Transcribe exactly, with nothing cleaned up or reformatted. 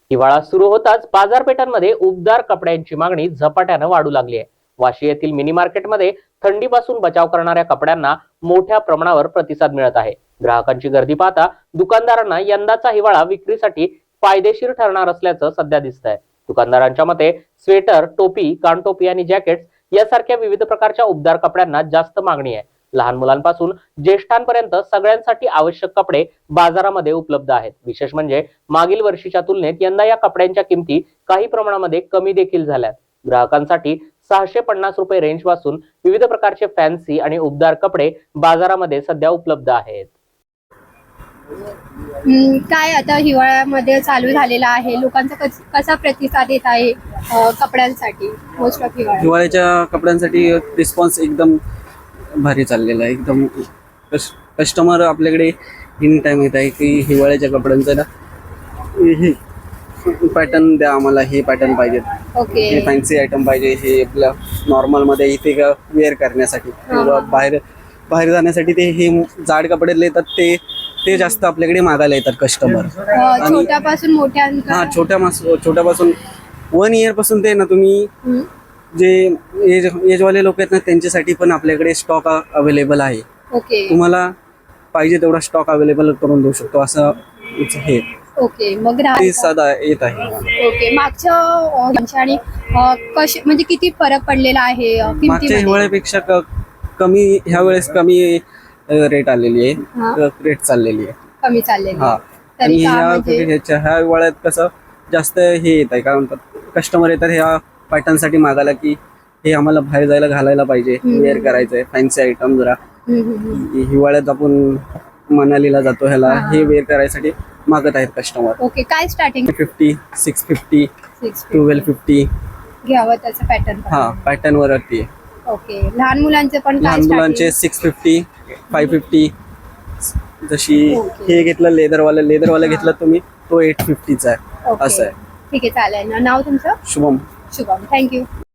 हिवाळा सुरू होताच बाजारपेठांमध्ये उबदार कपड्यांची मागणी झपाट्यानं वाढू लागली आहे। वाशी येथील मिनी मार्केटमध्ये थंडीपासून बचाव करणाऱ्या कपड्यांना मोठ्या प्रमाणावर प्रतिसाद मिळत आहे। ग्राहकांची गर्दी पाहता दुकानदारांना यंदाचा हिवाळा विक्रीसाठी फायदेशीर ठरणार असल्याचं सध्या दिसतंय। दुकानदारांच्या मते स्वेटर, टोपी, कानटोपी आणि जॅकेट्स यासारख्या विविध प्रकारच्या उबदार कपड्यांना जास्त मागणी आहे। लहान मुलांपासून ज्येष्ठांपर्यंत सगळ्यांसाठी आवश्यक कपडे बाजारामध्ये उपलब्ध आहेत। विशेष म्हणजे मागील वर्षीच्या तुलनेत यंदा या कपड्यांच्या किमती काही प्रमाणामध्ये कमी देखील झाल्यात। ग्राहकांसाठी सहाशे पन्नास रुपये रेंज पासून विविध प्रकारचे फॅन्सी आणि उबदार कपडे बाजारामध्ये सध्या उपलब्ध आहेत। काय आता हिवाळ्यामध्ये चालू झालेला आहे, लोकांचा कसा प्रतिसाद येत आहे कपड्यांसाठी? मोस्ट ऑफ हिवाळा हिवाळ्याच्या कपड्यांसाठी रिस्पॉन्स एकदम भारी चाललेला आहे। एकदम कस्टमर आपल्याकडे एनी टाइम येत आहे की हिवाळ्याच्या कपड्यांचं ना हे पॅटर्न द्या, आम्हाला हे पॅटर्न पाहिजेत, ओके, हे फॅन्सी आयटम पाहिजे, हे आपल्या नॉर्मलमध्ये इथे का वेअर करण्यासाठी किंवा बाहेर बाहेर जाण्यासाठी ते हे जाड कपडे येतात, ते ते जास्त आपल्याकडे मागायला येतात कस्टमर। छोट्यापासून मोठ्या हा छोट्या मास छोट्यापासून वन इयर पासून ते ना तुम्ही जे एज एजवाले लोक आहेत ना त्यांच्यासाठी पण आपल्याकडे स्टॉक अवेलेबल आहे। ओके, तुम्हाला पाहिजे तेवढा स्टॉक अवेलेबल करून देऊ शकतो असं हे। ओके, मग साधा येत आहे। ओके, मागच्या आणि कशी म्हणजे किती फरक पडलेला आहे मागच्या हिवाळ्यापेक्षा कमी ह्या वेळेस कमी रेट आलेली आहे, रेट चाललेली आहे, कमी चाललेली हा। आणि ह्या ह्या हिवाळ्यात कसं जास्त हे येत आहे, काय म्हणतात कस्टमर येतात ह्या पॅटर्न साठी मागायला की हे आम्हाला बाहेर जायला घालायला पाहिजे, वेअर करायचंय फॅन्सी आयटम जरा हिवाळ्यात आपण मनालीला जातो ह्याला हे वेअर करायसाठी मागत आहेत कस्टमर। ओके, काय starting? Fifty six fifty twelve fifty घ्यावं त्याचं पॅटर्न? हा, पॅटर्न वरती आहे। ओके, लहान मुलांचे पण? लहान मुलांचे सिक्स फिफ्टी फाय फिफ्टी जशी हे घेतलं लेदरवाला लेदरवाला घेतलं तुम्ही तो एट फिफ्टीचा आहे, असं आहे। ठीक आहे, चालेल ना। नाव तुमचं? शुभम। शुभम, थँक्यू।